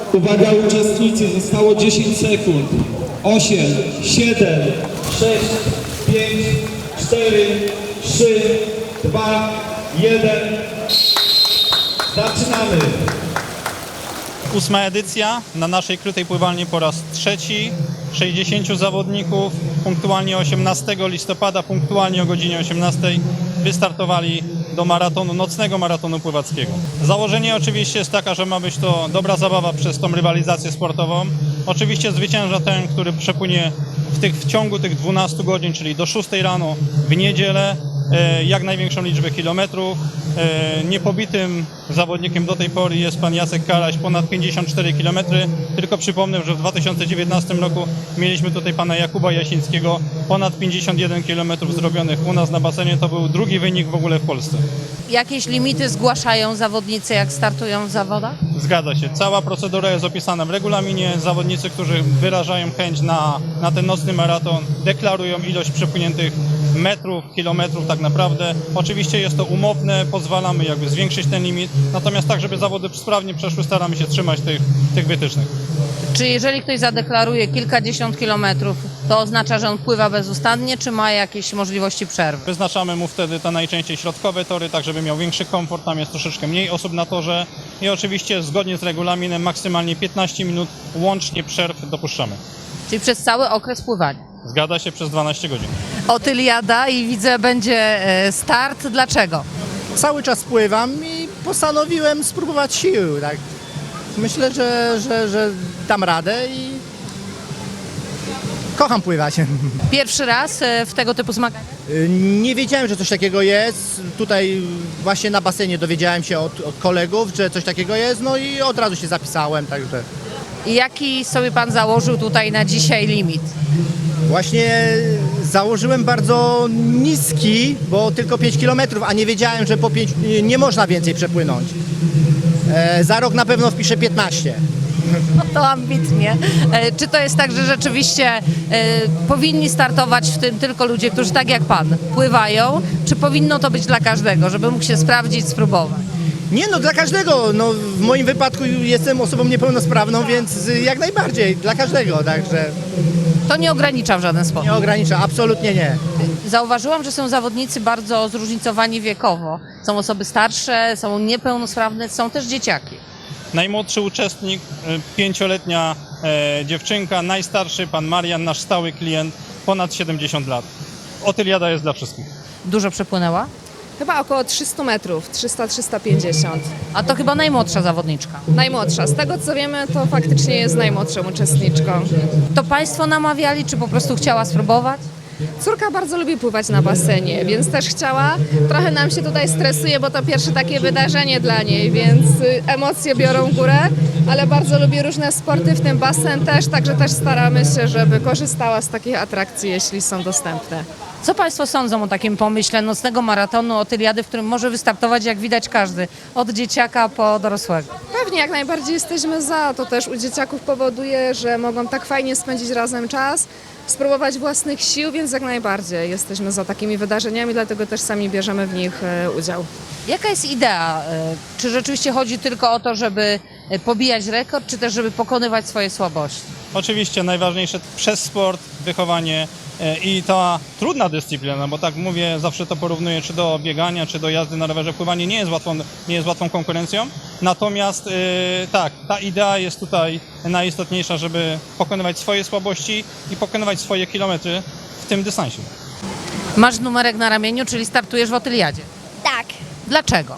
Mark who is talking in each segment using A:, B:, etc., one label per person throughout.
A: Uwaga uczestnicy, zostało 10 sekund. 8, 7, 6, 5, 4, 3, 2, 1. Zaczynamy.
B: 8. edycja na naszej krytej pływalni po raz trzeci. 60 zawodników punktualnie 18 listopada, punktualnie o godzinie 18 wystartowali do maratonu, nocnego maratonu pływackiego. Założenie oczywiście jest taka, że ma być to dobra zabawa przez tą rywalizację sportową. Oczywiście zwycięża ten, który przepłynie w ciągu tych 12 godzin, czyli do 6 rano w niedzielę, jak największą liczbę kilometrów. Niepobitym zawodnikiem do tej pory jest pan Jacek Karaś, ponad 54 km. Tylko przypomnę, że w 2019 roku mieliśmy tutaj pana Jakuba Jasińskiego, ponad 51 km zrobionych u nas na basenie. To był drugi wynik w ogóle w Polsce.
C: Jakieś limity zgłaszają zawodnicy, jak startują w zawodach?
B: Zgadza się. Cała procedura jest opisana w regulaminie. Zawodnicy, którzy wyrażają chęć na ten nocny maraton, deklarują ilość przepłyniętych metrów, kilometrów tak naprawdę. Oczywiście jest to umowne, pozwalamy jakby zwiększyć ten limit, natomiast tak, żeby zawody sprawnie przeszły, staramy się trzymać tych wytycznych.
C: Czy jeżeli ktoś zadeklaruje kilkadziesiąt kilometrów, to oznacza, że on pływa bezustannie, czy ma jakieś możliwości przerwy?
B: Wyznaczamy mu wtedy te najczęściej środkowe tory, tak żeby miał większy komfort, tam jest troszeczkę mniej osób na torze i oczywiście zgodnie z regulaminem maksymalnie 15 minut łącznie przerw dopuszczamy.
C: Czyli przez cały okres pływania?
B: Zgadza się, przez 12 godzin.
C: Otyliada i widzę, będzie start. Dlaczego?
D: Cały czas pływam i postanowiłem spróbować sił. Tak. Myślę, że dam radę i kocham pływać.
C: Pierwszy raz w tego typu zmaganiach?
D: Nie wiedziałem, że coś takiego jest. Tutaj właśnie na basenie dowiedziałem się od kolegów, że coś takiego jest, no i od razu się zapisałem, także
C: I jaki sobie pan założył tutaj na dzisiaj limit?
D: właśnie założyłem bardzo niski, bo tylko 5 km, a nie wiedziałem, że po 5 nie można więcej przepłynąć. Za rok na pewno wpiszę 15.
C: No to ambitnie. Czy to jest tak, że rzeczywiście powinni startować w tym tylko ludzie, którzy tak jak pan pływają, czy powinno to być dla każdego, żeby mógł się sprawdzić, spróbować?
D: Nie no, dla każdego. No, w moim wypadku jestem osobą niepełnosprawną, więc jak najbardziej, dla każdego, także
C: To nie ogranicza w żaden sposób.
D: nie ogranicza, absolutnie nie.
C: Zauważyłam, że są zawodnicy bardzo zróżnicowani wiekowo. Są osoby starsze, są niepełnosprawne, są też dzieciaki.
B: Najmłodszy uczestnik, 5-letnia dziewczynka, najstarszy pan Marian, nasz stały klient, ponad 70 lat. Otyliada jest dla wszystkich.
C: Dużo przepłynęła?
E: Chyba około 300 metrów, 300-350.
C: A to chyba najmłodsza zawodniczka.
E: Najmłodsza. Z tego co wiemy, to faktycznie jest najmłodszą uczestniczką.
C: To państwo namawiali, czy po prostu chciała spróbować?
E: Córka bardzo lubi pływać na basenie, więc też chciała. Trochę nam się tutaj stresuje, bo to pierwsze takie wydarzenie dla niej, więc emocje biorą górę, ale bardzo lubi różne sporty, w tym basen też, także też staramy się, żeby korzystała z takich atrakcji, jeśli są dostępne.
C: Co państwo sądzą o takim pomyśle nocnego maratonu Otyliady, w którym może wystartować, jak widać, każdy, od dzieciaka po dorosłego?
E: Pewnie jak najbardziej jesteśmy za. To też u dzieciaków powoduje, że mogą tak fajnie spędzić razem czas, spróbować własnych sił, więc jak najbardziej jesteśmy za takimi wydarzeniami, dlatego też sami bierzemy w nich udział.
C: Jaka jest idea? Czy rzeczywiście chodzi tylko o to, żeby pobijać rekord, czy też żeby pokonywać swoje słabości?
B: Oczywiście najważniejsze przez sport, wychowanie i ta trudna dyscyplina, bo tak mówię, zawsze to porównuję czy do biegania, czy do jazdy na rowerze. Pływanie nie jest łatwą konkurencją, natomiast tak, ta idea jest tutaj najistotniejsza, żeby pokonywać swoje słabości i pokonywać swoje kilometry w tym dystansie.
C: Masz numerek na ramieniu, czyli startujesz w Otyliadzie.
F: Tak,
C: Dlaczego?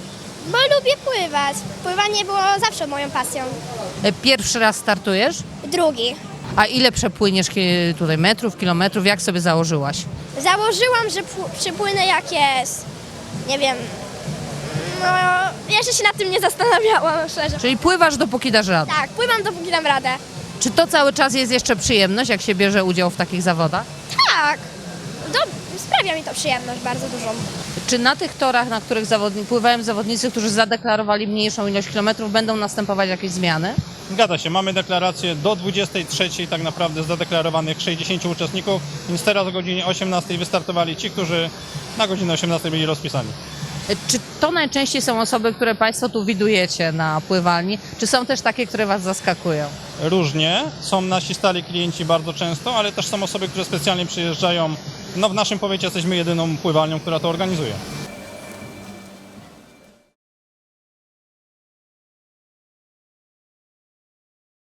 F: bo lubię pływać. Pływanie było zawsze moją pasją.
C: Pierwszy raz startujesz?
F: Drugi.
C: A ile przepłyniesz tutaj metrów, kilometrów? Jak sobie założyłaś?
F: Założyłam, że przypłynę jak jest. Nie wiem. No, jeszcze się nad tym nie zastanawiałam, szczerze.
C: Czyli pływasz, dopóki dasz radę.
F: Tak, pływam dopóki dam radę.
C: Czy to cały czas jest jeszcze przyjemność, jak się bierze udział w takich zawodach?
F: Tak. Sprawia mi to przyjemność bardzo dużą.
C: Czy na tych torach, na których pływają zawodnicy, którzy zadeklarowali mniejszą ilość kilometrów, będą następować jakieś zmiany?
B: Zgadza się, mamy deklarację do 23 tak naprawdę zadeklarowanych 60 uczestników, więc teraz o godzinie 18 wystartowali ci, którzy na godzinę 18 byli rozpisani.
C: Czy to najczęściej są osoby, które Państwo tu widujecie na pływalni, czy są też takie, które Was zaskakują?
B: Różnie. Są nasi stali klienci bardzo często, ale też są osoby, które specjalnie przyjeżdżają. No w naszym powiecie jesteśmy jedyną pływalnią, która to organizuje.